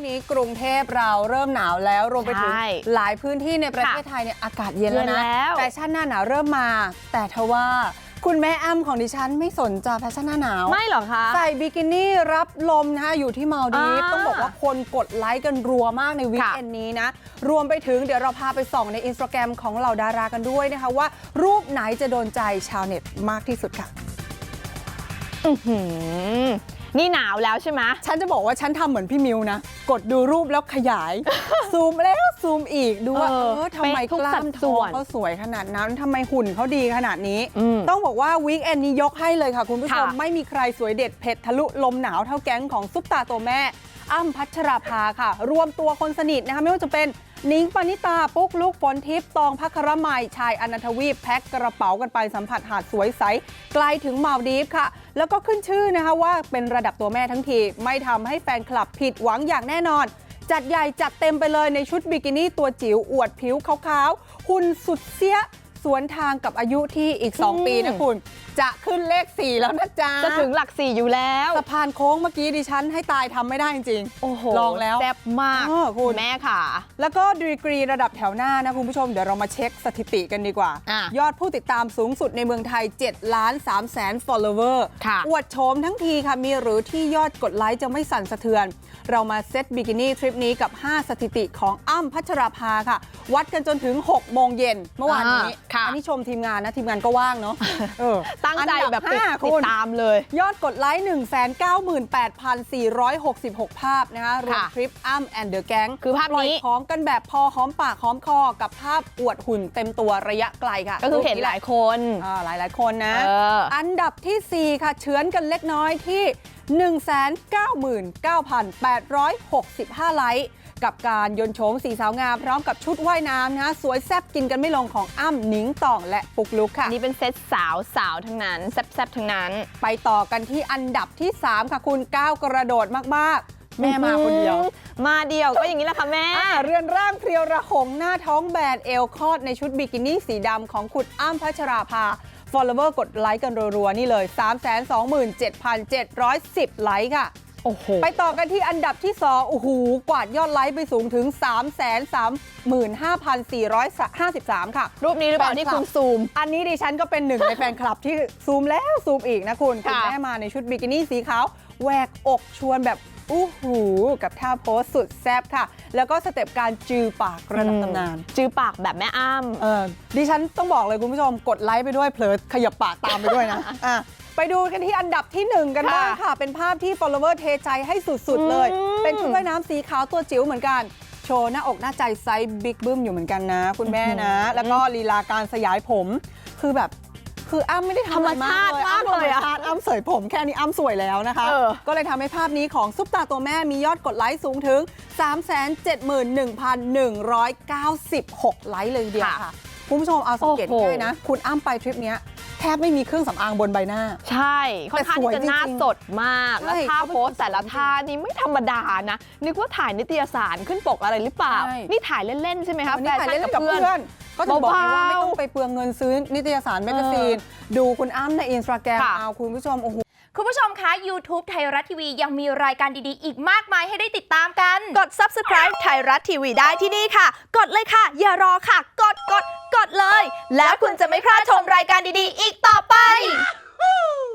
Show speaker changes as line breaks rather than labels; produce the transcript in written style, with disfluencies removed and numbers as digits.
นี้กรุงเทพเราเริ่มหนาวแล้วรวมไปถึงหลายพื้นที่ในประเทศไทยเนี่ยอากาศเย็นแล้วนะแฟชั่นหน้าหนาวเริ่มมาแต่ทว่าคุณแม่อ้ำของดิฉันไม่สนใจแฟชั่นหน้าหนาว
ไม่หรอคะ
ใส่บิกินี่รับลมนะคะอยู่ที่มาลดีฟต้องบอกว่าคนกดไลค์กันรัวมากในวีคเอนด์นี้นะรวมไปถึงเดี๋ยวเราพาไปส่องใน Instagram ของเหล่าดารากันด้วยนะคะว่ารูปไหนจะโดนใจชาวเน็ตมากที่สุดค่ะ
นี่หนาวแล้วใช่ไหม
ฉันจะบอกว่าฉันทำเหมือนพี่มิวนะกดดูรูปแล้วขยาย ซูมแล้วซูมอีกดูว่าทำไมกล้ามท้องเขาสวยขนาดนั้นทำไมหุ่นเขาดีขนาดนี้ต้องบอกว่าวีคเอนด์นี้ยกให้เลยค่ะคุณผู้ชมไม่มีใครสวยเด็ดเผ็ดทะลุลมหนาวเท่าแก๊งของซุปตาตัวแม่อ้ำพัชราภาค่ะรวมตัวคนสนิทนะคะไม่ว่าจะเป็นนิ้งปณิตาปุ๊กลุกฝนทิพย์ตองภัครมัยชายอนันทวีปแพ็คกระเป๋ากันไปสัมผัสหาดสวยใสไกลถึงมาลดีฟค่ะแล้วก็ขึ้นชื่อนะคะว่าเป็นระดับตัวแม่ทั้งทีไม่ทำให้แฟนคลับผิดหวังอย่างแน่นอนจัดใหญ่จัดเต็มไปเลยในชุดบิกินี่ตัวจิ๋วอวดผิวขาวๆหุ่นสุดเสี้ยสวนทางกับอายุที่อีก2 ปีนะคุณจะขึ้นเลข4แล้วนะจ๊ะ
จะถึงหลัก4อยู่แล้ว
สะพานโค้งเมื่อกี้ดิฉันให้ตายทำไม่ได้จริง
โอ้โห
ลองแล้ว
แซ่บมากคุณแม่ค่ะ
แล้วก็ดีกรีระดับแถวหน้านะคุณผู้ชมเดี๋ยวเรามาเช็คสถิติกันดีกว่ายอดผู้ติดตามสูงสุดในเมืองไทย7,300,000 follower อวดโฉมทั้งทีค่ะมีหรือที่ยอดกดไลค์จะไม่สั่นสะเทือนเรามาเซตบิกินี่ทริปนี้กับ5สถิติของอ้ำพัชราภาค่ะวัดกันจนถึง6 โมงเย็นเมื่อวานนี้อันนี้ชมทีมงานนะทีมงานก็ว่างเนาะ
ตั้งใจแบบติดตามเลย
ยอดกดไลค์ 198,466 ภาพนะคะรวมทริปอ้ำแอนเดอะแก๊ง
คือภาพนี้
พร้อมกันแบบพอหอมปากหอมคอกับภาพอวดหุ่นเต็มตัวระยะไกลค่ะ
ก็คือเห็นหลายคน
หลายคนนะอันดับที่4ค่ะเฉือนกันเล็กน้อยที่ 199,865 ไลค์กับการยนโฉมสีสาวงามพร้อมกับชุดว่ายน้ำนะสวยแซ่บกินกันไม่ลงของอ้ำหนิงต่องและปุกลุกค่ะ
นี่เป็นเซตสาวทั้งนั้นแซ่บทั้งนั้น
ไปต่อกันที่อันดับที่3ค่ะคุณก้าวกระโดดมากๆแม่มาคนเดียว
มาเดียวก็อย่างนี้แหละค่ะแม่
เรือนร่างเพรียวระหงหน้าท้องแบนเอวคลอดในชุดบิกินี่สีดำของคุณอ้ำพัชราภาfollower กดไลค์กันรัวๆนี่เลย 327,710 ไลค์ค่ะ
โอ้โห
ไปต่อกันที่อันดับที่2โอ้โหกวาดยอดไลค์ไปสูงถึง 335,453 ค่ะ
รูปนี้หรือเปล่าที่คุณซูม
อันนี้ดิฉันก็เป็นหนึ่งในแฟนคลับที่ซูมแล้วซูมอีกนะคุณแม่มาในชุดบิกินี่สีขาวแหวกอกชวนแบบอู้หูกับท่าโพสสุดแซ่บค่ะแล้วก็สเต็ปการจือปากระดับตำนาน
จือปากแบบแม่อ้
ำดิฉันต้องบอกเลยคุณผู้ชมกดไลค์ไปด้วยเผลอขยับปากตามไปด้วยนะไปดูกันที่อันดับที่1กันบ้างค่ะเป็นภาพที่ follower เทใจให้สุดๆเลยเป็นชุดว่ายน้ำสีขาวตัวจิ๋วเหมือนกันโชว์หน้าอกหน้าใจไซส์บิ๊กบึ้มอยู่เหมือนกันนะคุณแม่นะแล้วก็ลีลาการสยายผมคืออ้ำไม่ได้ทำอะไรมากเลยอ้ำเสยผมแค่นี้อ้ำสวยแล้วนะคะก็เลยทำให้ภาพนี้ของซุปตาตัวแม่มียอดกดไลค์สูงถึง 371,196 ไลค์เลยเดียวค่ะคุณผู้ชมเอาสังเกตง่ายนะคุณอ้ำไปทริปนี้แทบไม่มีเครื่องสำอางบนใบหน้า
ใช่ค่อนข้างจะหน้าสดมากแล้วท่าโพสแต่ละท่านี่ไม่ธรรมดานะนึกว่าถ่ายนิตยสารขึ้นปกอะไรหรือเปล่านี่ถ่ายเล่นๆใช่ไหมคะ
แฟชั่นกับเพื่อนก็จะบอกว่าไม่ต้องไปเปลืองเงินซื้อนิตยสารแมกกาซีนดูคุณอ้ำใน Instagram เอาคุณผู้ชมโอ้โห
คุณผู้ชมคะ YouTube ไทยรัฐทีวียังมีรายการดีๆอีกมากมายให้ได้ติดตามกัน
กด Subscribe ไทยรัฐทีวีได้ที่นี่ค่ะกดเลยค่ะอย่ารอค่ะกดเลยแล้วคุณจะไม่พลาดชมรายการดีๆอีกต่อไป